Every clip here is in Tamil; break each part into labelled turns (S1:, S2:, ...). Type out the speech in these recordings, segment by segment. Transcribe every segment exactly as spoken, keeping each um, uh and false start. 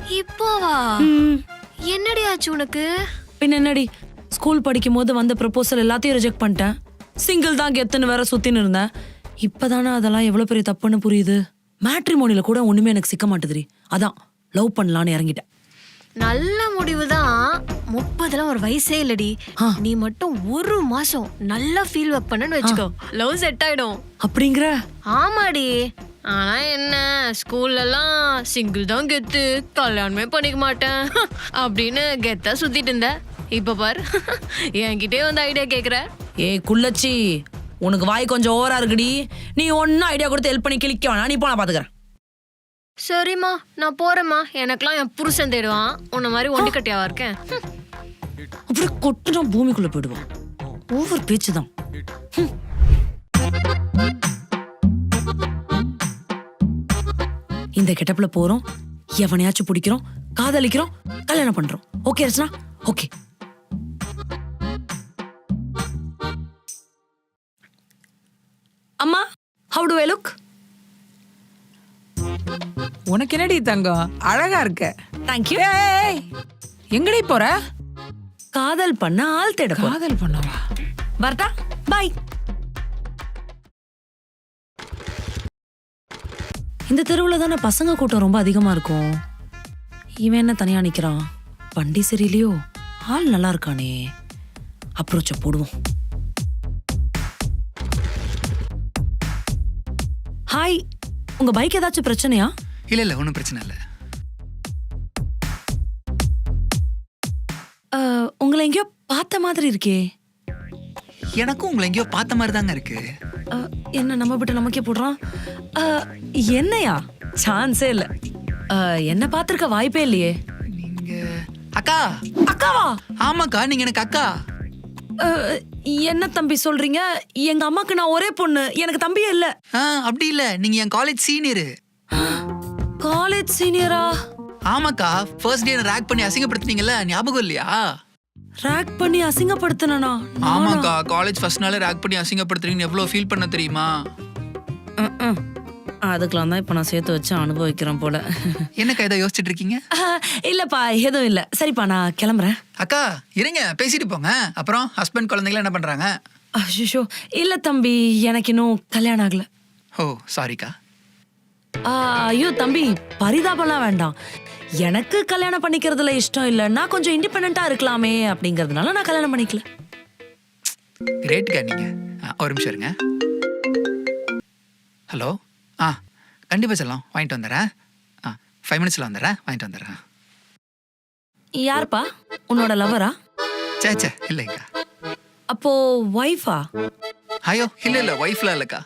S1: இப்போவா? என்னடி ஆச்சு உனக்கு?
S2: பின்ன என்னடி, ஸ்கூல் படிக்கும் போது வந்த ப்ரப்போசல் எல்லாத்தையும் ரிஜெக்ட் பண்ணிட்டேன். சிங்கிள் தான் கெத்துன்னு வேற சுத்தின்னு இருந்தேன். இப்பதானே அதெல்லாம் எவ்வளவு பெரிய தப்புன்னு புரியுது. மேட்ரிமோனில கூட ஒண்ணுமே எனக்கு சிக்க மாட்டுதுரி. அதான் லவ் பண்ணலான்னு இறங்கிட்டேன்.
S1: நல்ல முடிவுதான். முப்பதுலாம் ஒரு வயசே இல்லடி. நீ மட்டும் ஒரு மாசம் நல்லா ஃபீல் ஒர்க் பண்ணன்னு வச்சுக்கோ, லவ் செட் ஆயிடும்.
S2: அப்படிங்கிற?
S1: ஆமாடி. ஆனா என்ன, ஸ்கூல்ல எல்லாம் சிங்கிள் தான் கெத்து, கல்யாணமே பண்ணிக்க மாட்டேன் அப்படின்னு கெத்தா சுத்திட்டு இருந்த. இப்ப பாரு, என்கிட்டே வந்து ஐடியா கேக்குற.
S2: ஏய் குள்ளச்சி, உனக்கு வாய் கொஞ்சம் ஓவரா இருக்குடி. நீ ஒன்னும் ஐடியா கொடுத்து ஹெல்ப் பண்ணி கிளிக்க வேணாம். நீ போன பாத்துக்கிறேன்.
S1: சரிம்மா, நான் போறேம்மா. எனக்கெல்லாம் என் புருஷன் தேடுவான். உன்ன மாதிரி ஒண்டி கட்டியாவா இருக்கேன்.
S2: அப்படியே கொட்டுனா பூமிக்குள்ள போயிடுவான். ஓவர் பேச்சுதான். இந்த கெட்டப்ல போறோம், எவனையாச்சும் பிடிக்கிறோம், காதலிக்கிறோம், கல்யாணம் பண்றோம். ஓகே ரச்சனா? ஓகே. அம்மா, how do I look?
S3: உனக்கு என்னடி தங்கம், அழகா இருக்க.
S2: Thank you.
S3: ஏய், எங்கடி போற?
S2: காதல் பண்ண ஆள் தேட போறேன்.
S3: காதல் பண்ணவா?
S2: வரட்டா? பை. இந்த தெருவுல தானே பசங்க கூட்டம் ரொம்ப அதிகமா இருக்கும். இவன் என்ன தனியா நிக்கிறான்? வண்டி சரியில்லையோ? ஆள் நல்லா இருக்கானே. அப்ரோச்ச போடுவோம். ஹாய், உங்க பைக் ஏதாச்சும் பிரச்சனையா?
S4: இல்ல இல்ல, ஒன்றும் பிரச்சனை இல்லை.
S2: உங்களை எங்கேயோ பார்த்த மாதிரி இருக்கே.
S4: எனக்கும் உங்களை எங்கேயோ பார்த்த மாதிரி தாங்க இருக்கு.
S2: அஹ், என்ன நம்ம விட்டு நமக்கே போடுறான்? அஹ், என்னையா? சான்ஸே இல்ல. அஹ், என்ன பார்த்திருக்க வாய்ப்பே இல்லையே.
S4: நீங்க அக்கா?
S2: அக்காவா?
S4: ஆமாக்கா, நீங்க எனக்கு அக்கா.
S2: அஹ், என்ன தம்பி சொல்றீங்க? எங்க அம்மாக்கு நான் ஒரே பொண்ணு, எனக்கு தம்பியே இல்ல.
S4: ஆ, அப்படி இல்ல, நீங்க என் காலேஜ் சீனியரு.
S2: காலேஜ் சீனியரா?
S4: ஆமாக்கா, ஃபர்ஸ்ட் டே ரேக் பண்ணி அசிங்கப்படுத்துனீங்கல்ல, ஞாபகம் இல்லையா?
S2: ரேக் பண்ணி அசிங்கப்படுத்தினா?
S4: ஆமாக்கா, காலேஜ் ஃபர்ஸ்ட் நாளே ரேக் பண்ணி அசிங்கப்படுத்துறீங்கன்னு எவ்வளவு ஃபீல் பண்ண தெரியுமா?
S2: அதுக்கெல்லாம் தான் இப்ப நான் சேர்த்து வச்சு அனுபவிக்கிறேன் போல.
S4: என்னக்கா இதை யோசிச்சுட்டு இருக்கீங்க?
S2: அஹ், இல்லப்பா, எதுவும் இல்ல. சரிப்பா, நான் கிளம்புறேன்.
S4: அக்கா இருங்க, பேசிட்டு போங்க. அப்புறம் ஹஸ்பண்ட் குழந்தைங்கள என்ன பண்றாங்க?
S2: அஷிஷோ, இல்ல தம்பி, எனக்கு இன்னும் கல்யாணம் ஆகல.
S4: ஓ சாரிக்கா.
S2: ஐயோ தம்பி, பரிதாபம்லாம் வேண்டாம். எனக்கு கல்யாணம் பண்ணிக்கிறதுல இஷ்டம் இல்ல. நான் கொஞ்சம் இண்டிபெண்டா இருக்கலாமே அப்படிங்கறதுனால நான் கல்யாணம் பண்ணிக்கல.
S4: கிரேட்க்கா நீங்க. ஆ, ஒரு நிமிஷம் இருங்க. ஹலோ. ஆ கண்டிப்பா செல்லாம், வாங்கிட்டு வந்துடுறேன். ஆ ஃபைவ் மினிட்ஸ்ல வந்துடுறேன், வாங்கிட்டு வந்துடுறேன்.
S2: யாருப்பா? உன்னோட லவரா?
S4: சே சே இல்லைங்க.
S2: அப்போ ஒய்ஃபா?
S4: ஐயோ இல்ல இல்ல, ஒய்ஃப்லாம் இல்லக்கா,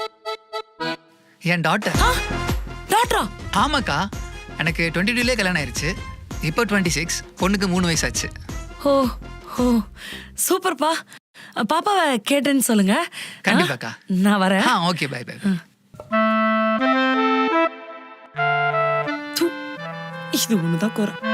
S4: என் டாட்டர்.
S2: டாக்டரா?
S4: ஆமாக்கா, எனக்கு டுவெண்ட்டி டூலே கல்யாணம் ஆயிடுச்சு. இப்போ டுவெண்ட்டி சிக்ஸ், பொண்ணுக்கு மூணு வயசு ஆச்சு.
S2: ஓ ஓ சூப்பர்ப்பா. பாப்பாவை கேட்டேன்னு சொல்லுங்க.
S4: கண்டிப்பாக்கா.
S2: நான் வரேன்.
S4: ஆ ஓகே, பை பை.
S2: இது ஒண்ணுதான் குறை.